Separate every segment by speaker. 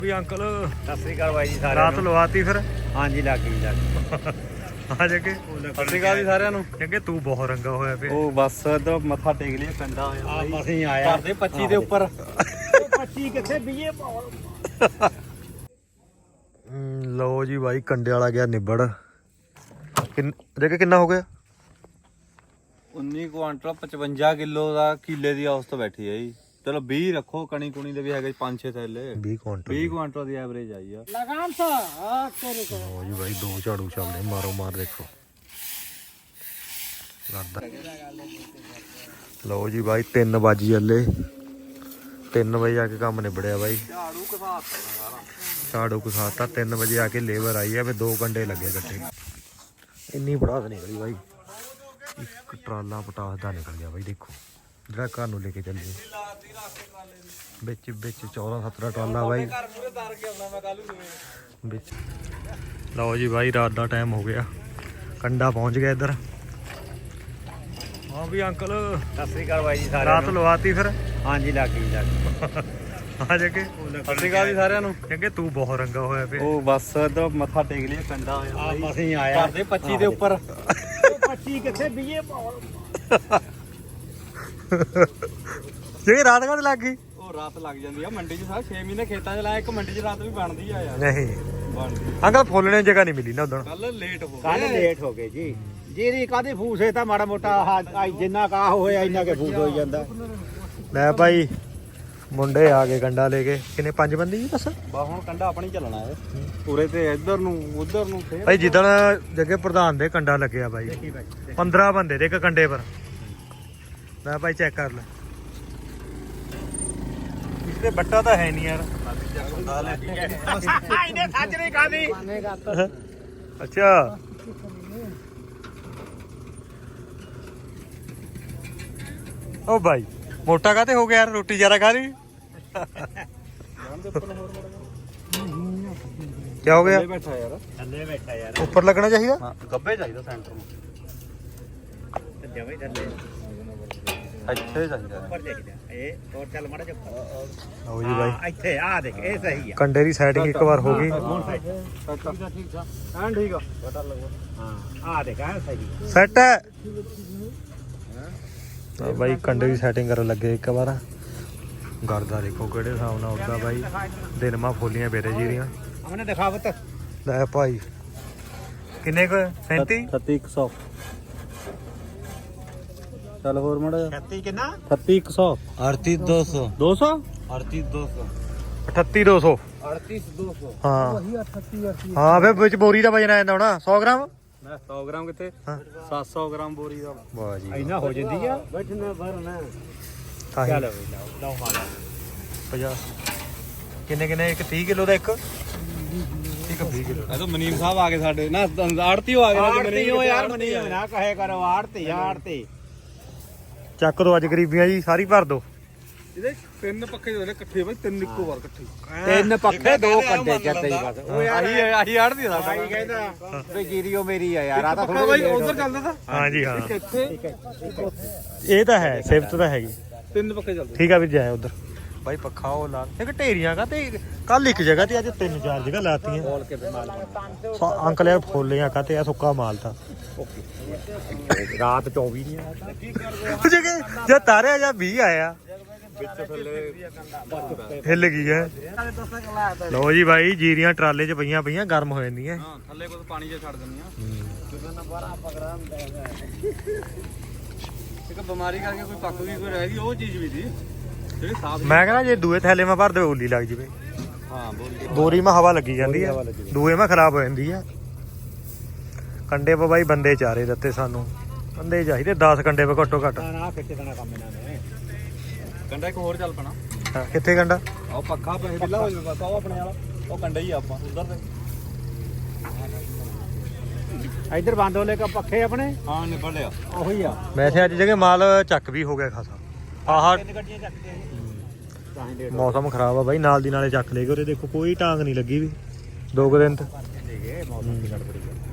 Speaker 1: ਵੀ uncle
Speaker 2: ਸਤਿ ਸ੍ਰੀ ਅਕਾਲ ਬਾਈ ਜੀ ਸਾਰਿਆਂ
Speaker 1: ਰਾਤ
Speaker 2: ਨੂੰ।
Speaker 1: ਲਵਾਤੀ ਫਿਰ
Speaker 2: ਹਾਂਜੀ ਲੱਗ ਗਈ
Speaker 1: ਆ ਜੱਗੇ
Speaker 2: ਸਤਿ ਸ੍ਰੀ ਅਕਾਲ ਜੀ ਸਾਰਿਆਂ ਨੂੰ।
Speaker 1: ਜੱਗੇ ਤੂੰ ਬਹੁਤ ਰੰਗਾ ਹੋਇਆ ਪਿਆ।
Speaker 2: ਉਹ ਬਸ ਇਧਰ ਮੱਥਾ ਟੇਕ ਲਿਆ ਕੰਡਾ ਹੋਇਆ
Speaker 1: ਆ ਮਸੀਂ ਆਇਆ
Speaker 2: ਘਰ ਦੇ 25 ਦੇ ਉੱਪਰ 25 ਕਿੱਥੇ ਬੀਏ
Speaker 1: ਲਓ ਜੀ ਬਾਈ ਕੰਡੇ ਵਾਲਾ ਗਿਆ ਨਿਬੜ ਜੱਗੇ ਕਿੰਨਾ ਹੋ ਗਿਆ
Speaker 2: 19 ਕੁਆਂਟਲ 55 ਕਿਲੋ ਦਾ ਕਿੱਲੇ ਦੀ ਔਸਤ ਬੈਠੀ ਹੈ ਜੀ। ਚਲੋ 20 ਰੱਖੋ, ਕਣੀ ਕੁਣੀ ਦੇ ਵੀ ਹੈਗੇ 5-6 ਥੈਲੇ
Speaker 1: 20 ਕੁਇੰਟਲ
Speaker 2: 20 ਕੁਆਂਟਲ ਦੀ ਐਵਰੇਜ ਆਈ ਆ।
Speaker 1: ਲਓ ਜੀ ਬਾਈ ਦੋ ਝਾੜੂ ਚੱਲਦੇ ਮਾਰੋ ਮਾਰ ਦੇਖੋ ਕਰਦਾ। ਲਓ ਜੀ ਬਾਈ 3 ਵਜੇ ਚੱਲੇ 3 ਵਜੇ ਆ ਕੇ ਕੰਮ ਨਿਬੜਿਆ ਬਾਈ।
Speaker 2: ਝਾੜੂ ਘਸਾਤਾ ਸਾਰਾ,
Speaker 1: ਝਾੜੂ ਘਸਾਤਾ 3 ਵਜੇ ਆ ਕੇ ਲੇਬਰ ਆਈ ਆ, ਫਿਰ 2 ਘੰਟੇ ਲੱਗੇ ਇਕੱਠੇ। ਇੰਨੀ ਪਟਾਸ ਨਿਕਲੀ ਬਾਈ, ਇੱਕ ਟਰਾਲਾ ਪਟਾਸ ਦਾ ਨਿਕਲ ਗਿਆ ਬਾਈ। ਦੇਖੋ ਜਿਹੜਾ ਘਰ ਨੂੰ ਲੈ ਕੇ ਚੱਲੇ ਵਿੱਚ 14-17 ਟਰਾਲਾ ਬਾਈ ਵਿੱਚ। ਲਓ ਜੀ ਬਾਈ ਰਾਤ ਦਾ ਟਾਈਮ ਹੋ ਗਿਆ, ਕੰਡਾ ਪਹੁੰਚ ਗਿਆ ਇੱਧਰ। ਹਾਂ ਵੀ ਅੰਕਲ
Speaker 2: ਸਤਿ ਸ੍ਰੀ ਅਕਾਲ ਬਾਈ ਜੀ ਸਾਰਿਆਂ
Speaker 1: ਰਾਤ
Speaker 2: ਨੂੰ।
Speaker 1: ਲਵਾਤੀ ਫਿਰ
Speaker 2: ਹਾਂਜੀ ਲੱਗ ਗਈ
Speaker 1: ਆ ਜੱਗੇ
Speaker 2: ਸਤਿ ਸ੍ਰੀ ਅਕਾਲ ਜੀ ਸਾਰਿਆਂ ਨੂੰ।
Speaker 1: ਜੱਗੇ ਤੂੰ ਬਹੁਤ ਰੰਗਾ ਹੋਇਆ ਪਿਆ।
Speaker 2: ਉਹ ਬਸ ਇਧਰ ਮੱਥਾ ਟੇਕ ਲਿਆ ਕੰਡਾ ਹੋਇਆ
Speaker 1: ਮਸੀਂ ਆਇਆ
Speaker 2: ਘਰ ਦੇ 25 ਦੇ ਉੱਪਰ 25 ਕਿੱਥੇ ਬੀਏ
Speaker 1: ਜੇ ਰਾਤ ਕਦ ਲੱਗ ਗਈ।
Speaker 2: ਉਹ ਰਾਤ ਲੱਗ ਜਾਂਦੀ ਆ ਮੰਡੀ 'ਚ। ਸਾਰਾ 6 ਮਹੀਨੇ ਖੇਤਾਂ 'ਚ ਲਾਇਆ, ਇੱਕ ਮੰਡੀ 'ਚ ਰਾਤ ਵੀ ਬਣਦੀ ਆ ਯਾਰ।
Speaker 1: ਨਹੀਂ
Speaker 2: ਬਣਦੀ
Speaker 1: ਅੰਕਲ ਫੁੱਲਣੇ ਨੂੰ ਜਗ੍ਹਾ ਨਹੀਂ ਮਿਲੀ ਨਾ ਉਦੋਂ।
Speaker 2: ਕੱਲ ਲੇਟ ਹੋ
Speaker 3: ਕੱਲ ਲੇਟ ਹੋ ਗਏ ਜੀ। ਜਿਹਦੀ ਕਾਦੀ ਫੂਸੇ ਤਾਂ ਮਾੜਾ ਮੋਟਾ ਜਿੰਨਾ ਕਾਹ ਹੋਇਆ ਇੰਨਾ ਕੇ ਫੂਸ ਹੋਈ ਜਾਂਦਾ।
Speaker 1: ਲੈ ਭਾਈ ਮੁੰਡੇ ਆ ਗਏ ਕੰਡਾ ਲੈ ਕੇ। ਕਿੰਨੇ 5 ਬੰਦੇ ਜੀ ਬਸ
Speaker 2: ਬਾ ਹੁਣ ਕੰਡਾ ਆਪਣੀ ਚੱਲਣਾ ਹੈ ਪੂਰੇ ਤੇ ਇੱਧਰ ਨੂੰ ਉਧਰ ਨੂੰ ਫੇਰ
Speaker 1: ਭਾਈ ਜਿੱਦਣ ਜੱਗੇ ਪ੍ਰਧਾਨ ਦੇ ਕੰਡਾ ਲੱਗਿਆ ਬਾਈ 15 ਬੰਦੇ ਦੇ ਇੱਕ ਕੰਡੇ ਪਰ। ਲੈ ਭਾਈ ਚੈੱਕ ਕਰ ਲੈ, ਇਸਦੇ ਬੱਟਾ ਤਾਂ ਹੈ ਨਹੀਂ ਯਾਰ।
Speaker 3: ਇਹਨੇ ਸੱਚ ਨਹੀਂ ਖਾਦੀ।
Speaker 1: ਅੱਛਾ ਓ ਭਾਈ ਮੋਟਾ ਕਾਤੇ ਹੋ ਗਿਆ ਯਾਰ, ਰੋਟੀ ਜ਼ਿਆਦਾ ਖਾ ਲਈ। ਕੀ ਹੋ ਗਿਆ?
Speaker 2: ਬੈਠਾ ਯਾਰ,
Speaker 3: ਥੱਲੇ ਬੈਠਾ ਯਾਰ।
Speaker 1: ਉੱਪਰ ਲੱਗਣਾ ਚਾਹੀਦਾ।
Speaker 2: ਹਾਂ ਗੱਬੇ ਚਾਹੀਦਾ ਸੈਂਟਰ ਨੂੰ,
Speaker 3: ਜਮੇ ਥੱਲੇ
Speaker 2: ਇੱਥੇ ਚਾਹੀਦਾ।
Speaker 3: ਉੱਪਰ ਚਾਹੀਦਾ। ਇਹ ਹੋਰ ਚੱਲ ਮਾੜਾ ਜਿਹਾ
Speaker 1: ਲਓ ਜੀ ਬਾਈ
Speaker 3: ਇੱਥੇ ਆ ਦੇਖ, ਇਹ ਸਹੀ ਆ।
Speaker 1: ਕੰਡੇ ਦੀ ਸੈਟਿੰਗ ਇੱਕ ਵਾਰ ਹੋ ਗਈ।
Speaker 2: ਠੀਕ ਆ ਐਨ ਠੀਕ ਆ। ਬਟਾ ਲੱਗੋ
Speaker 3: ਹਾਂ ਆ ਦੇਖ, ਇਹ ਸਹੀ ਆ।
Speaker 1: ਸੈਟ ਹੈ ਤਾਂ ਬਾਈ ਕੰਡੇ ਦੀ ਸੈਟਿੰਗ ਕਰਨ ਲੱਗੇ ਇੱਕ ਵਾਰ। ਗਰਦਾ ਦੇਖੋ ਕਿਹੜੇ ਹਿਸਾਬ ਨਾਲ ਉੱਦਾਂ ਬਾਈ। ਦਿਨ ਮਾ ਫੋਲੀਆਂ ਬੇਰੇ ਜੀ ਦੀਆਂ।
Speaker 3: हमने दिखावत
Speaker 1: ਲੈ ਭਾਈ ਕਿੰਨੇ ਕੁ 37
Speaker 2: 36100 ਚੱਲ ਹੋਰ ਮੜਾ
Speaker 3: 36 कितना
Speaker 2: 36100
Speaker 1: 38200
Speaker 2: 200
Speaker 1: 38200
Speaker 3: 38200
Speaker 1: ਹਾਂ ਹਾਂ ਫਿਰ ਵਿੱਚ ਬੋਰੀ ਦਾ ਵਜਨ ਆ ਜਾਂਦਾ ਹੋਣਾ 100 ਗ੍ਰਾਮ।
Speaker 2: ਮੈਂ 100 ਗ੍ਰਾਮ ਕਿੱਥੇ
Speaker 1: ਹਾਂ
Speaker 2: 700 ਗ੍ਰਾਮ ਬੋਰੀ ਦਾ।
Speaker 1: ਵਾਹ ਜੀ
Speaker 3: इना हो जाती है।
Speaker 2: ਬੈਠਣਾ ਭਰਨਾ
Speaker 1: ਤਾਂ ਹੀ
Speaker 3: चलो लो माला
Speaker 1: 50 ਕਿੰਨੇ ਇੱਕ 30 ਕਿਲੋ ਦਾ ਇੱਕ 20 ਕਿਲੋ।
Speaker 2: ਇਹ ਤਾਂ ਮਨੀਮ ਸਾਹਿਬ ਆ ਗਏ ਸਾਡੇ ਨਾ, ਆੜਤੀ ਹੋ ਆ ਗਏ
Speaker 3: आड़ती हो यार, मनी ना कहे करो आड़ती आड़ती।
Speaker 1: ਚੱਕ ਦੋ ਅੱਜ ਗਰੀਬੀਆਂ ਜੀ ਸਾਰੀ ਭਰ ਦੋ।
Speaker 2: ਇਹਦੇ 3 ਪੱਖੇ ਜਿਹੜੇ ਇਕੱਠੇ ਬਈ 3 ਇੱਕੋ ਵਾਰ ਇਕੱਠੇ।
Speaker 3: तीन पक्के दो कंडे जते ही बस। ओ यार
Speaker 2: ਆਹੀ ਆੜਤੀ ਦਾ
Speaker 3: भाई कहता वे जीरियो मेरी है यार। आता
Speaker 2: ਪੱਖਾ
Speaker 3: थोड़ा
Speaker 2: ਬਾਈ ਉਧਰ ਚੱਲਦਾ ਤਾਂ
Speaker 1: ਹਾਂ ਜੀ ਹਾਂ
Speaker 2: ਇੱਥੇ
Speaker 1: ਇਹ ਤਾਂ ਹੈ ਸਿਫਤ ਤਾਂ ਹੈਗੀ।
Speaker 2: 3 ਪੱਖੇ ਚੱਲਦੇ।
Speaker 1: ਠੀਕ ਆ ਵੀ ਜਾਏ ਉਧਰ ਬਾਈ ਪੱਖਾ ਉਹ ਲਾ ਇੱਕ ਢੇਰੀਆਂ ਕਾ ਤੇ ਕੱਲ ਇੱਕ ਜਗ੍ਹਾ ਤੇ ਅੱਜ 3-4 ਜਗ੍ਹਾ ਲਾਤੀਆਂ।
Speaker 3: बोल के माल
Speaker 1: ਅੰਕਲ ਯਾਰ ਫੁੱਲੀਆਂ ਕਾ ਤੇ ਆ ਸੁੱਕਾ ਮਾਲ ਤਾਂ
Speaker 3: रात 24 नहीं आया।
Speaker 1: ਜਗੇ ਜੇ ਤਾਰਿਆ ਜਾਂ 20 ਆਇਆ
Speaker 2: ਵਿੱਚ ਥੱਲੇ
Speaker 1: ਹਿੱਲ ਗਈ ਹੈ। ਲਓ ਜੀ ਬਾਈ ਜੀਰੀਆਂ ਟਰਾਲੇ 'ਚ ਪਈਆਂ ਗਰਮ ਹੋ ਜਾਂਦੀਆਂ।
Speaker 2: ਹਾਂ ਥੱਲੇ ਕੋਲ ਪਾਣੀ ਜਿਹਾ ਛੱਡ ਦਿੰਦੀਆਂ। ਇੱਕ ਬਿਮਾਰੀ ਕਰਕੇ ਕੋਈ ਪੱਕ ਵੀ ਕੋਈ ਰਹਿ ਗਈ, ਉਹ ਚੀਜ਼ ਵੀ ਦੀ ਜਿਹੜੀ ਸਾਫ।
Speaker 1: ਮੈਂ ਕਹਿੰਦਾ ਜੇ ਦੂਏ ਥੈਲੇ ਮਾ ਭਰ ਦੇ ਓਲੀ ਲੱਗ ਜਵੇ।
Speaker 2: ਹਾਂ ਬੋਲੀ
Speaker 1: ਬੋਰੀ ਮਾ ਹਵਾ ਲੱਗੀ ਜਾਂਦੀ ਹੈ, ਦੂਏ ਮਾ ਖਰਾਬ ਹੋ ਜਾਂਦੀ ਹੈ। ਕੰਡੇ ਪਾ ਬਾਈ ਬੰਦੇ ਚਾਰੇ ਦਿੱਤੇ ਸਾਨੂੰ, ਬੰਦੇ ਚਾਹੀਦੇ 10 ਕੰਡੇ ਪਾ ਘੱਟੋ ਘੱਟ।
Speaker 3: ना फिट देना काम इन्होंने।
Speaker 2: ਕੰਡਾ ਇੱਕ ਹੋਰ ਚੱਲ ਪਣਾ।
Speaker 1: ਹਾਂ, ਕਿੱਥੇ ਕੰਡਾ?
Speaker 2: ਆਹ ਪੱਖਾ ਪੈਸੇ ਬਿੱਲਾ ਹੋ ਜਾਵੇ ਬਸ। ਉਹ ਆਪਣੇ ਵਾਲਾ ਉਹ ਕੰਡਾ ਹੀ ਆ ਆਪਾਂ ਉਧਰ ਦੇ।
Speaker 3: इधर बांधोले का पक्के अपने
Speaker 2: ਹਾਂ ਨਿਬੜ ਲਿਆ।
Speaker 3: वही आ।
Speaker 1: ਵੈਸੇ ਅੱਜ ਜਗ੍ਹਾ ਮਾਲ ਚੱਕ ਵੀ ਹੋ ਗਿਆ ਖਾਸਾ। ਆਹ
Speaker 3: गड्डियां चकते हैं।
Speaker 1: ਮੌਸਮ ਖਰਾਬ ਆ ਬਾਈ, ਨਾਲ ਦੀ ਨਾਲੇ ਚੱਕ ਲੈ ਗਏ। ਉਰੇ ਦੇਖੋ ਕੋਈ ਟਾਂਗ ਨਹੀਂ ਲੱਗੀ ਵੀ 2 ਦਿਨ ਤੋਂ।
Speaker 3: देखिए मौसम की गड़बड़ी है।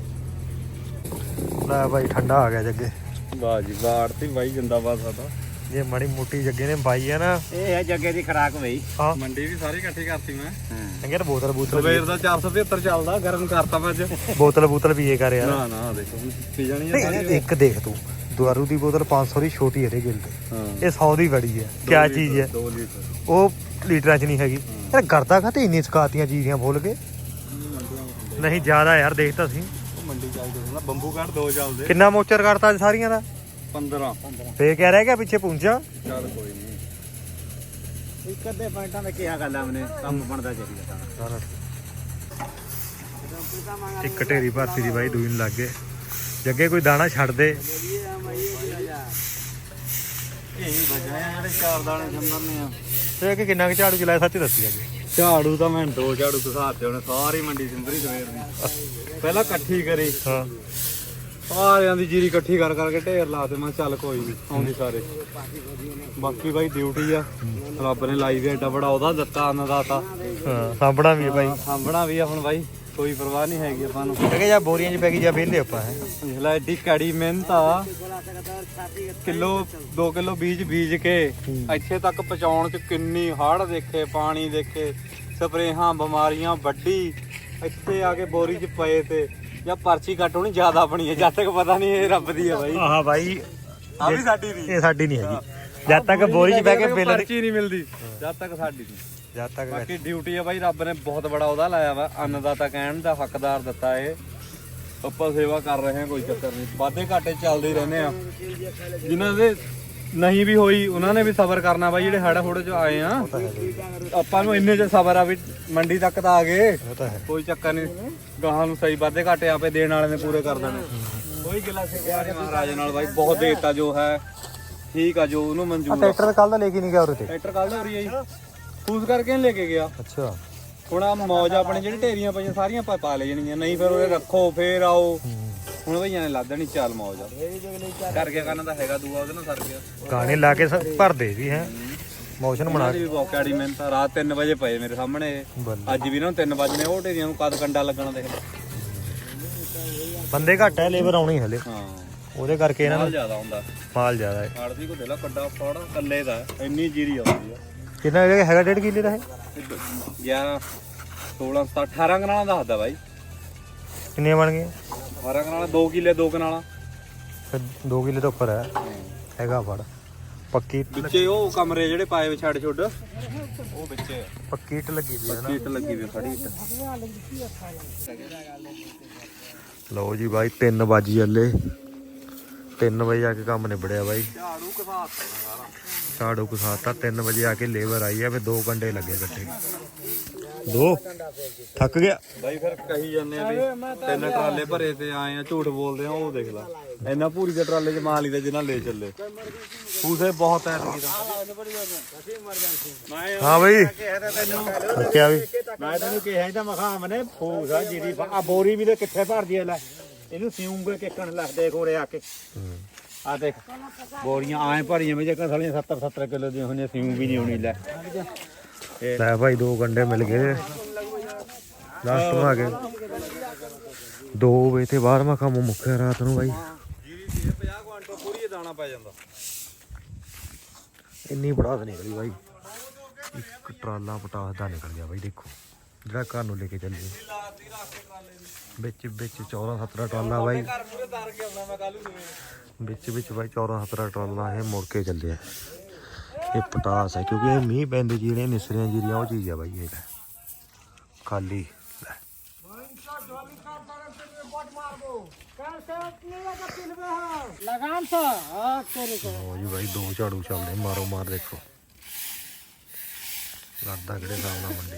Speaker 1: ਲੈ ਬਾਈ ਠੰਡਾ ਆ ਗਿਆ ਜੱਗੇ।
Speaker 2: ਵਾਹ ਜੀ ਵਾਹ, ਆੜਤੀ ਬਾਈ ਜਿੰਦਾਬਾਦ ਸਾਡਾ।
Speaker 1: ਜੇ ਮਾੜੀ ਮੋਟੀ ਜੱਗੇ ਨੇ ਪਾਈ ਆ ਨਾ
Speaker 3: ਇਹ ਹੈ ਜੱਗੇ ਦੀ ਖਰਾਕ ਬਈ।
Speaker 1: ਹਾਂ
Speaker 2: ਮੰਡੀ ਵੀ ਸਾਰੀ ਇਕੱਠੀ ਕਰਤੀ ਮੈਂ
Speaker 1: ਚੰਗੇ ਤਾਂ ਬੋਤਲ
Speaker 2: ਸਵੇਰ ਦਾ 475 ਚੱਲਦਾ ਗਰਮ ਕਰਤਾ ਮੈਂ ਅੱਜ
Speaker 1: ਬੋਤਲ ਪੀਏ ਕਰ ਯਾਰ।
Speaker 2: ਨਾ ਦੇਖੋ ਪੀ ਜਾਣੀ ਆ
Speaker 1: ਨਹੀਂ, ਇੱਕ ਦੇਖ ਤੂੰ ਦੁਆਰੂ ਦੀ ਬੋਤਲ 500 ਦੀ ਛੋਟੀ ਹੈ ਇਹਦੇ ਗਿਲ ਤੇ,
Speaker 2: ਹਾਂ
Speaker 1: ਇਹ 100 ਦੀ ਬੜੀ ਹੈ। ਕਿਆ ਚੀਜ਼ ਹੈ
Speaker 2: 2 ਲੀਟਰ
Speaker 1: ਉਹ ਲੀਟਰਾਂ 'ਚ ਨਹੀਂ ਹੈਗੀ ਯਾਰ। ਕਰਦਾ ਖਾਤੇ ਇੰਨੀ ਸਕਾਤੀਆਂ ਚੀਜ਼ਾਂ ਫੁੱਲ ਕੇ ਨਹੀਂ ਜ਼ਿਆਦਾ ਯਾਰ। ਦੇਖ ਤਾਂ ਸੀ
Speaker 2: ਮੰਡੀ ਚੱਲਦੇ ਨਾ ਬੰਬੂ ਘਾਟ 2 ਚੱਲਦੇ
Speaker 1: ਕਿੰਨਾ ਮੋਚਰ ਕਰਤਾ ਅੱਜ ਸਾਰੀਆਂ ਦਾ।
Speaker 2: 15
Speaker 1: ਫੇਰ ਕਹਿ ਰਿਹਾ ਕਿ ਪਿੱਛੇ ਪੁੰਚਾ
Speaker 2: ਚੱਲ ਕੋਈ ਨਹੀਂ।
Speaker 3: ਇੱਕ ਅੱਧੇ ਪੁਆਇੰਟਾਂ ਦਾ ਕਿਹਾ ਗੱਲ ਆਮਨੇ ਕੰਮ ਬਣਦਾ ਚਾਹੀਦਾ ਤਾਂ।
Speaker 1: ਇੱਕ ਢੇਰੀ ਭਰਤੀ ਦੀ ਬਾਈ ਦੂਈ ਨੂੰ ਲੱਗ ਗਏ। ਜੱਗੇ ਕੋਈ ਦਾਣਾ ਛੱਡ ਦੇ।
Speaker 2: ਇਹੀ ਵਜ੍ਹਾ ਆ ਜਿਹੜੇ 4 ਦਾਣੇ ਸੰਦਰਨੇ ਆ।
Speaker 1: ਤੇ ਕਿ ਕਿੰਨਾ ਕੁ ਝਾੜੂ ਚਲਾਇਆ ਸੱਚ ਦੱਸੀ ਅੱਗੇ।
Speaker 2: ਝਾੜੂ ਤਾਂ ਮੈਂ 2 ਝਾੜੂ ਘਸਾਤੇ ਉਹਨੇ ਸਾਰੀ ਮੰਡੀ ਸਿੰਦਰੀ ਸਵੇਰ ਦੀ। ਪਹਿਲਾਂ ਇਕੱਠੀ ਕਰੀ
Speaker 1: ਹਾਂ
Speaker 2: ਸਾਰਿਆਂ ਦੀ ਜੀਰੀ ਇਕੱਠੀ ਕਰ ਕਰਕੇ ਢੇਰ ਲਾ ਤੇ ਮੈਂ ਚੱਲ ਕੋਈ ਨਹੀਂ ਆਉਂਦੀ ਸਾਰੇ। ਬਾਕੀ ਬਾਈ ਡਿਊਟੀ ਆ ਰੱਬ ਨੇ ਲਾਈ ਵੀ ਐਡਾ ਬੜਾ ਉਹਦਾ ਦਿੱਤਾ ਅੰਨਦਾਤਾ।
Speaker 1: ਹਾਂ ਸਾਂਭਣਾ ਵੀ ਹੈ ਬਾਈ।
Speaker 2: ਸਾਂਭਣਾ ਵੀ ਆ ਹੁਣ ਬਾਈ ਕੋਈ ਪਰਵਾਹ ਨਹੀਂ ਹੈਗੀ ਆਪਾਂ ਨੂੰ।
Speaker 1: ਜੱਗੇ ਜਾਂ ਬੋਰੀਆਂ 'ਚ ਪੈ ਗਈ ਜਾਂ ਵਿਹਲੇ ਆਪਾਂ ਹੈ।
Speaker 2: ਜਿਹੜਾ ਐਡੀ ਕੜੀ ਮਿਹਨਤ ਆ ਕਿਲੋ 2 ਕਿਲੋ ਬੀਜ ਕੇ ਇੱਥੇ ਤੱਕ ਪਹੁੰਚਾਉਣ ਚ ਕਿੰਨੀ ਹੜ੍ਹ ਦੇਖੇ, ਪਾਣੀ ਦੇਖੇ, ਸਪਰੇਹਾਂ, ਬਿਮਾਰੀਆਂ ਵੱਡੀ ਇੱਥੇ ਆ ਕੇ ਬੋਰੀ ਚ ਪਏ ਤੇ ਜਾਂ ਪਰਚੀ ਕੱਟ ਹੋਣੀ ਜ਼ਿਆਦਾ ਆਪਣੀ ਹੈ। ਜਦ ਤੱਕ ਪਤਾ ਨਹੀਂ ਇਹ ਰੱਬ ਦੀ ਹੈ ਬਾਈ।
Speaker 1: ਆਹ ਬਾਈ
Speaker 2: ਆ ਵੀ ਸਾਡੀ ਨਹੀਂ,
Speaker 1: ਇਹ ਸਾਡੀ ਨਹੀਂ ਹੈਗੀ। ਜਦ ਤੱਕ ਬੋਰੀ 'ਚ ਬਹਿ ਕੇ ਬਿੱਲ
Speaker 2: ਪਰਚੀ ਨਹੀਂ ਮਿਲਦੀ ਜਦ ਤੱਕ ਸਾਡੀ ਨਹੀਂ।
Speaker 1: ਜਦ ਤੱਕ
Speaker 2: ਬਾਕੀ ਡਿਊਟੀ ਆ ਬਾਈ ਰੱਬ ਨੇ ਬਹੁਤ ਬੜਾ ਉਹਦਾ ਲਾਇਆ ਵਾ। ਅੰਨਦਾਤਾ ਕਹਿਣ ਦਾ ਹੱਕਦਾਰ ਦਿੱਤਾ ਏ। ਆਪਾਂ ਸੇਵਾ ਕਰ ਰਹੇ ਹਾਂ ਕੋਈ ਚੱਕਰ ਨਹੀਂ। ਵਾਧੇ ਘਾਟੇ ਚੱਲਦੇ ਹੀ ਰਹਿੰਦੇ ਆ। ਜਿਨ੍ਹਾਂ ਦੇ ਨਹੀਂ ਵੀ ਹੋਈ ਉਹਨਾਂ ਨੇ ਵੀ ਸਬਰ ਕਰਨਾ ਬਾਈ। ਜਿਹੜੇ ਹੜਾ ਥੋੜੇ ਚ ਆਏ ਆ ਆਪਾਂ ਨੂੰ ਇੰਨੇ ਚ ਸਬਰ ਆ ਵੀ ਮੰਡੀ ਤੱਕ ਤਾਂ ਆ ਗਏ।
Speaker 1: ਉਹ ਤਾਂ ਹੈ।
Speaker 2: ਕੋਈ ਚੱਕਰ ਨਹੀਂ। ਗਾਹਾਂ ਨੂੰ ਸਹੀ ਵਾਧੇ ਘਾਟੇ ਆਪੇ ਦੇਣ ਵਾਲੇ ਨੇ ਪੂਰੇ ਕਰ ਦੇਣੇ। ਕੋਈ ਗਿਲਾ ਸਿੱਖਿਆ ਨਹੀਂ ਮਹਾਰਾਜ ਨਾਲ ਬਾਈ। ਬਹੁਤ ਦੇਤਾ ਜੋ ਹੈ ਠੀਕ ਆ, ਜੋ ਉਹਨੂੰ ਮਨਜ਼ੂਰ ਆ।
Speaker 1: ਟਰੈਕਟਰ ਕੱਲ ਦਾ ਲੈ ਕੇ ਨਹੀਂ ਗਿਆ ਉਰੇ ਤੇ।
Speaker 2: ਟਰੈਕਟਰ ਕੱਢ ਹੋ ਰਹੀ ਹੈ ਜੀ ਫੂਸ ਕਰਕੇ ਨਹੀਂ ਲੈ ਕੇ ਗਿਆ।
Speaker 1: ਅੱਛਾ
Speaker 2: ਹੁਣ ਆ ਮੌਜ ਆਪਣੇ ਜਿਹੜੀ ਢੇਰੀਆਂ ਪਈਆਂ ਸਾਰੀਆਂ ਪਾ ਲੈ ਜਾਣੀਆਂ। ਨਹੀਂ ਫਿਰ ਉਹਦੇ ਰੱਖੋ ਫੇਰ ਆਓ। ਹੁਣ ਭਈਆਂ ਨੇ ਲਾ ਦੇਣੀ ਚੱਲ ਮੌਜ ਆ। ਕਰ ਗਿਆ ਕਰਨ ਦਾ ਹੈਗਾ ਦੂਆ ਉਹਦੇ ਨਾਲ ਸਰ ਗਿਆ।
Speaker 1: ਗਾਣੇ ਲਾ ਕੇ ਭਰਦੇ ਵੀ ਹੈ ਮੋਸ਼ਨ ਬਣਾ
Speaker 2: ਵੀ ਬਹੁਤ ਕੈੜੀ ਮਿਹਨਤ ਆ। ਰਾਤ 3 ਵਜੇ ਪਏ ਮੇਰੇ ਸਾਹਮਣੇ ਇਹ।
Speaker 1: ਬੱਲੇ।
Speaker 2: ਅੱਜ ਵੀ ਨਾ 3 ਵਜੇ ਉਹ ਢੇਰੀਆਂ ਨੂੰ ਕਦ ਕੰਡਾ ਲੱਗਣਾ ਦੇਖ ਲੈ।
Speaker 1: ਬੰਦੇ ਘੱਟ ਹੈ, ਲੇਬਰ ਆਉਣੀ ਹਲੇ
Speaker 2: ਹਾਂ
Speaker 1: ਉਹਦੇ ਕਰਕੇ ਇਹਨਾਂ
Speaker 2: ਮਾਲ
Speaker 1: ਨੂੰ
Speaker 2: ਜ਼ਿਆਦਾ ਹੁੰਦਾ।
Speaker 1: ਮਾਲ ਜ਼ਿਆਦਾ ਹੈ।
Speaker 2: ਆੜਦੀ ਕੋ ਦੇ ਲਾ ਕੱਡਾ ਫੜ ਕੱਲੇ ਦਾ ਇੰਨੀ ਜੀਰੀ ਆਉਂਦੀ ਆ।
Speaker 1: ਕਿੰਨਾ ਹੈਗਾ 1.5 ਕਿੱਲੇ ਦਾ ਹੈ।
Speaker 2: 11 16 17 18 ਕਨਾਲਾਂ ਦਾ ਹੱਦਾ ਬਾਈ।
Speaker 1: ਕਿੰਨੇ ਬਣ ਗਏ
Speaker 2: 18 ਕਨਾਲਾਂ 2 ਕਿੱਲੇ 2 ਕਨਾਲਾਂ।
Speaker 1: ਫਿਰ 2 ਕਿੱਲੇ ਤੋਂ ਉੱਪਰ ਹੈ ਹੈਗਾ ਫੜ। ਪੱਕੀ
Speaker 2: ਵਿੱਚੇ ਉਹ ਕਮਰੇ ਜਿਹੜੇ ਪਾਏ ਵੇ ਛੱਡ ਛੁੱਡ ਉਹ ਵਿੱਚੇ
Speaker 1: ਪੱਕੀ ਇੱਟ ਲੱਗੀ ਵੀ ਹੈ ਨਾ।
Speaker 2: ਇੱਟ ਲੱਗੀ ਵੀ ਖੜੀ ਇੱਟ।
Speaker 1: ਲਓ ਜੀ ਬਾਈ 3 ਵਜੇ ਹਲੇ 3 ਵਜੇ ਆ ਕੇ ਕੰਮ ਨਿਬੜਿਆ ਬਾਈ।
Speaker 2: ਝਾੜੂ ਘਸਾਤਾ ਸਾਰਾ।
Speaker 1: ਝਾੜੂ ਘਸਾਤਾ 3 ਵਜੇ ਆ ਕੇ ਲੇਬਰ ਆਈ ਆ। ਫਿਰ 2 ਘੰਟੇ ਲੱਗੇ ਇਕੱਠੇ। 2 ਥੱਕ ਗਿਆ
Speaker 2: ਬਾਈ ਫਿਰ ਕਹੀ ਜਾਂਦੇ ਆ ਵੀ 3 ਟਰਾਲੇ ਭਰੇ ਤੇ ਆਏ ਆ ਝੂਠ ਬੋਲਦੇ ਆ। ਉਹ ਦੇਖ ਲੈ ਇੰਨਾ ਪੂਰੀ ਦੇ ਟਰਾਲੇ ਚ ਮਾਲ ਹੀ ਦਾ ਜਿੰਨਾ ਲੈ ਚੱਲੇ। ਫੂਸੇ ਬਹੁਤ ਐ
Speaker 1: ਹਾਂ ਬਾਈ ਕਿਹਾ ਵੀ
Speaker 3: ਮੈਂ ਤੈਨੂੰ ਕਿਹਾ ਤਾਂ ਮਖਾਮ ਨੇ ਫੂਸ ਆ ਜੀਰੀ ਆ ਬੋਰੀ ਵੀ ਤੇ ਕਿੱਥੇ ਭਰਦੀ ਐ ਲੈ। ਇਹਨੂੰ ਸਿਉਂਗੇ ਕਿੱਕਣ ਲੱਗਦੇ ਕੋਰੇ ਆ ਕੇ। ਆ ਦੇਖ ਬੋਰੀਆਂ ਆਏ ਭਰੀਆਂ ਵਿੱਚ ਸਾਲੀਆਂ 70 ਕਿਲੋ ਦੀਆਂ ਹੋਣੀਆਂ। ਸਿਉਂ ਵੀ ਨਹੀਂ ਹੋਣੀ ਲੈ।
Speaker 1: ਲੈ ਭਾਈ 2 ਘੰਟੇ ਮਿਲ ਗਏ ਲਾਸਟ ਮਾ ਗਏ 2 ਵਜੇ ਤੇ ਬਾਅਦ ਮੈਂ ਕੰਮ ਮੁੱਕਿਆ ਰਾਤ ਨੂੰ ਬਾਈ।
Speaker 2: ਜੀਰੀ ਦੀ 50 ਕੁਆਂਟਲ ਪੂਰੀ ਦਾਣਾ ਪੈ ਜਾਂਦਾ।
Speaker 1: ਇੰਨੀ ਪੜਾਸ ਨਿਕਲੀ ਬਾਈ। ਇੱਕ ਟਰਾਲਾ ਪਟਾਸ ਦਾ ਨਿਕਲ ਗਿਆ ਬਾਈ। ਦੇਖੋ ਜਿਹੜਾ ਘਰ ਨੂੰ ਲੈ ਕੇ ਚੱਲੇ ਵਿੱਚ 14-17 ਟਰਾਲਾ ਬਾਈ। ਵਿੱਚ ਬਾਈ 14-17 ਟਰਾਲਾ ਇਹ ਮੁੜ ਕੇ ਚੱਲਿਆ। ਇਹ ਪਟਾਸ ਹੈ ਕਿਉਂਕਿ ਇਹ ਮੀਂਹ ਪੈਂਦੇ ਜਿਹੜੀਆਂ ਨਿਸਰੀਆਂ ਜੀਰੀਆਂ ਉਹ ਚੀਜ਼ ਆ ਬਾਈ। ਇਹ ਖਾਲੀ ਲਓ ਜੀ ਬਾਈ 2 ਝਾੜੂ ਚੱਲਦੇ ਮਾਰੋ ਮਾਰ। ਦੇਖੋ ਲੱਗਦਾ ਕਿਹੜੇ ਹਿਸਾਬ ਨਾਲ ਮੰਡੀ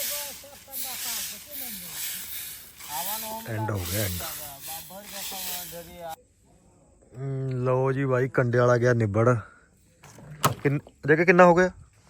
Speaker 1: ਐਂਡ ਹੋ ਗਿਆ ਐਂਡ। ਲਓ ਜੀ ਬਾਈ ਕੰਡੇ ਵਾਲਾ ਗਿਆ ਨਿਬੜ। ਕਿੰਨਾ ਹੋ ਗਿਆ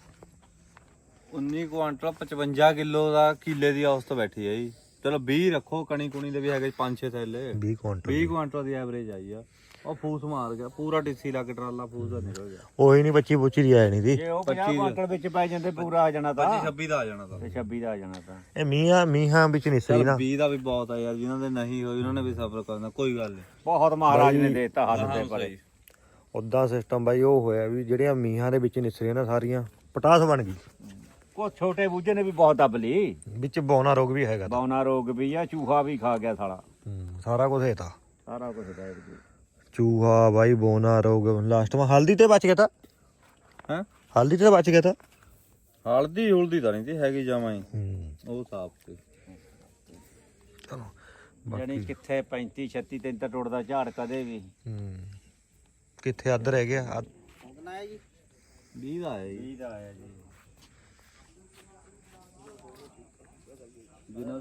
Speaker 2: 19 ਕੁਆਂਟਲ 55 ਕਿਲੋ ਦਾ ਕਿੱਲੇ ਦੀ ਔਸਤ ਬੈਠੀ ਹੈ ਜੀ। ਚਲੋ 20 ਰੱਖੋ ਕਣੀ ਕੁਣੀ ਦੇ ਵੀ ਹੈਗੇ 5-6 ਥੈਲੇ।
Speaker 1: 20 ਕੁਆਂਟਲ
Speaker 2: 20 ਕੁਆਂਟਲ ਦੀ ਐਵਰੇਜ ਆਈ ਆ। ਉਹ ਫੂਸ ਮਾਰ ਗਿਆ ਪੂਰਾ ਟਿੱਸੀ ਲੱਗ ਟਰਾਲਾ ਫੂਸ ਦਾ ਨਿਕਲ ਗਿਆ।
Speaker 1: ਉਹੀ ਨਹੀਂ 25 ਬੁੱਚੀ ਦੀ ਆਇਆ ਨਹੀਂ ਦੀ।
Speaker 3: ਜੇ ਉਹ 50 ਕੁਆਂਟਲ ਵਿੱਚ ਪੈ ਜਾਂਦੇ ਪੂਰਾ ਆ ਜਾਣਾ ਤਾਂ
Speaker 2: 26 ਦਾ ਆ ਜਾਣਾ ਤਾਂ।
Speaker 3: ਤੇ 26 ਦਾ ਆ ਜਾਣਾ ਤਾਂ।
Speaker 1: ਇਹ ਮੀਂਹਾਂ ਵਿੱਚ ਨਿਸਰੀ ਨਾ
Speaker 2: 20 ਦਾ ਵੀ ਬਹੁਤ ਆ ਯਾਰ। ਜਿਨ੍ਹਾਂ ਦੇ ਨਹੀਂ ਹੋਈ ਉਹਨਾਂ ਨੇ ਵੀ ਸਬਰ ਕਰਨਾ। ਕੋਈ ਗੱਲ ਨਹੀਂ
Speaker 3: ਬਹੁਤ ਮਹਾਰਾਜ ਨੇ ਦੇਤਾ ਹੱਥ ਤੇ ਪਰੇ।
Speaker 1: ਉਦਾਂ ਸਿਸਟਮ ਬਾਈ ਉਹ ਹੋਇਆ ਵੀ ਜਿਹੜੀਆਂ ਮੀਹਾਂ ਦੇ ਵਿੱਚ ਨਿਸਰੇ ਨਾ ਸਾਰੀਆਂ ਪਟਾਸ ਬਣ ਗਈ।
Speaker 3: ਕੋ ਛੋਟੇ ਬੂਝੇ ਨੇ ਵੀ ਬਹੁਤ ਦੱਬ ਲਈ।
Speaker 1: ਵਿੱਚ ਬੌਨਾ ਰੋਗ ਵੀ ਹੈਗਾ ਤਾਂ।
Speaker 3: ਬੌਨਾ ਰੋਗ ਵੀ ਆ, ਚੂਹਾ ਵੀ ਖਾ ਗਿਆ ਸਾਲਾ।
Speaker 1: ਸਾਰਾ ਕੁਝ ਹੈ ਤਾਂ
Speaker 3: ਸਾਰਾ ਕੁਝ ਦਾ
Speaker 1: ਚੂਹਾ ਬਾਈ ਬੌਨਾ ਰੋਗ ਲਾਸਟ ਮਾ ਹਲਦੀ ਤੇ ਬਚ ਗਿਆ ਤਾਂ।
Speaker 2: ਹੈ
Speaker 1: ਹਲਦੀ ਤੇ ਬਚ ਗਿਆ ਤਾਂ।
Speaker 2: ਹਲਦੀ ਹੁਲਦੀ ਤਾਂ ਨਹੀਂ ਤੇ ਹੈਗੀ ਜਾਵਾਂ ਹੀ ਉਹ ਸਾਫ ਤੇ
Speaker 1: ਚਲੋ
Speaker 3: ਜਾਨੀ ਕਿੱਥੇ 35 36 ਤਿੰਨ ਤਾਂ ਟੁੱਟਦਾ ਝਾੜ ਕਦੇ ਵੀ।
Speaker 1: ਕਿੱਥੇ ਅੱਧ ਰਹਿ ਗਿਆ
Speaker 2: 20 ਦਾ ਆਇਆ ਜੀ।
Speaker 3: 20 ਦਾ ਆਇਆ ਜੀ।
Speaker 2: ਜਿਨ੍ਹਾਂ